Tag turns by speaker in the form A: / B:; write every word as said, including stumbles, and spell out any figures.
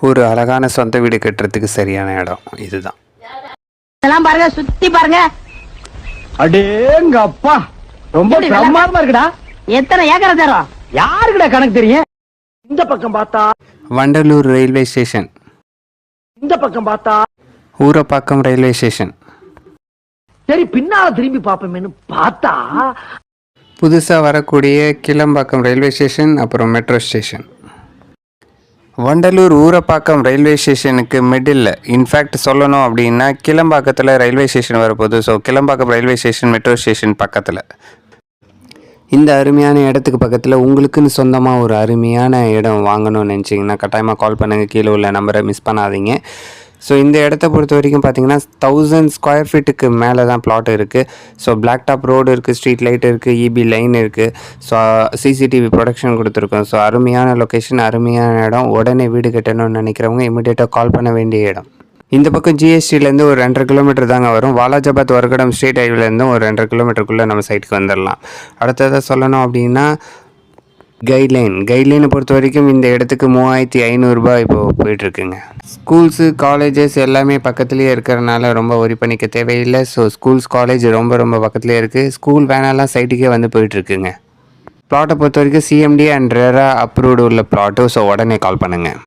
A: ஒரு அழகான சொந்த வீடு கட்டுறதுக்கு சரியான இடம் இதுதான்.
B: இதெல்லாம் பாருங்க, சுத்தி பாருங்க.
C: அடேங்க அப்பா, ரொம்ப பிரமாதமா இருக்குடா.
B: எத்தனை ஏக்கரை தரும்?
C: யாருக்குடா கணக்கு தெரியும்? இந்த பக்கம் பார்த்தா
A: வண்டலூர் ரயில்வே ஸ்டேஷன்,
C: இந்த பக்கம் பார்த்தா
A: ஊரப்பாக்கம் ரயில்வே ஸ்டேஷன்.
C: சரி, பின்னால திரும்பி பாப்போமேனு பார்த்தா
A: புதுசாக வரக்கூடிய கிளம்பாக்கம் ரயில்வே ஸ்டேஷன், அப்புறம் metro station. Vandalur Urapakkam railway ஸ்டேஷனுக்கு மிடில், இன்ஃபேக்ட் சொல்லணும் அப்படின்னா கிளம்பாக்கத்தில் ரயில்வே ஸ்டேஷன் வரப்போகுது. So Kilambakkam railway station metro station பக்கத்தில். இந்த அருமையான இடத்துக்கு பக்கத்தில் உங்களுக்குன்னு சொந்தமாக ஒரு அருமையான இடம் வாங்கணும்னு நினச்சிங்கன்னா கட்டாயமாக கால் பண்ணுங்கள். கீழே உள்ள நம்பரை மிஸ் பண்ணாதீங்க. ஸோ இந்த இடத்த பொறுத்த வரைக்கும் பார்த்தீங்கன்னா தௌசண்ட் ஸ்கொயர் ஃபீட்டுக்கு மேலே தான் பிளாட் இருக்குது. ஸோ பிளாக் டாப் ரோடு இருக்குது, ஸ்ட்ரீட் லைட் இருக்குது, இபி லைன் இருக்குது. ஸோ சிசிடிவி ப்ரொடக்ஷன் கொடுத்துருக்கோம். ஸோ அருமையான லொக்கேஷன், அருமையான இடம். உடனே வீடு கட்டணும்னு நினைக்கிறவங்க இமீடியட்டாக கால் பண்ண வேண்டிய இடம். இந்த பக்கம் ஜிஎஸ்டிலேருந்து ஒரு ரெண்டரை கிலோமீட்டர் தாங்க வரும். வாலாஜாபாத் வர்கடம் ஸ்ட்ரீட் ஹைவேலேருந்தும் ஒரு ரெண்டரை கிலோமீட்டருக்குள்ளே நம்ம சைட்டுக்கு வந்துடலாம். அடுத்ததாக சொல்லணும் அப்படின்னா கைட்லைன் கைட்லைனை பொறுத்த வரைக்கும் இந்த இடத்துக்கு மூவாயிரத்தி ஐநூறுரூபா இப்போது போயிட்டுருக்குங்க. ஸ்கூல்ஸு காலேஜஸ் எல்லாமே பக்கத்துலேயே இருக்கிறனால ரொம்ப ஒரி பண்ணிக்க தேவையில்லை. ஸோ ஸ்கூல்ஸ் காலேஜ் ரொம்ப ரொம்ப பக்கத்துலேயே இருக்குது. ஸ்கூல் வேனெல்லாம் சைட்டுக்கே வந்து போயிட்டுருக்குங்க. ப்ளாட்டை பொறுத்த வரைக்கும் சிஎம்டி அண்ட் ரேரா அப்ரூவ்டு உள்ள ப்ளாட்டு. ஸோ உடனே கால் பண்ணுங்கள்.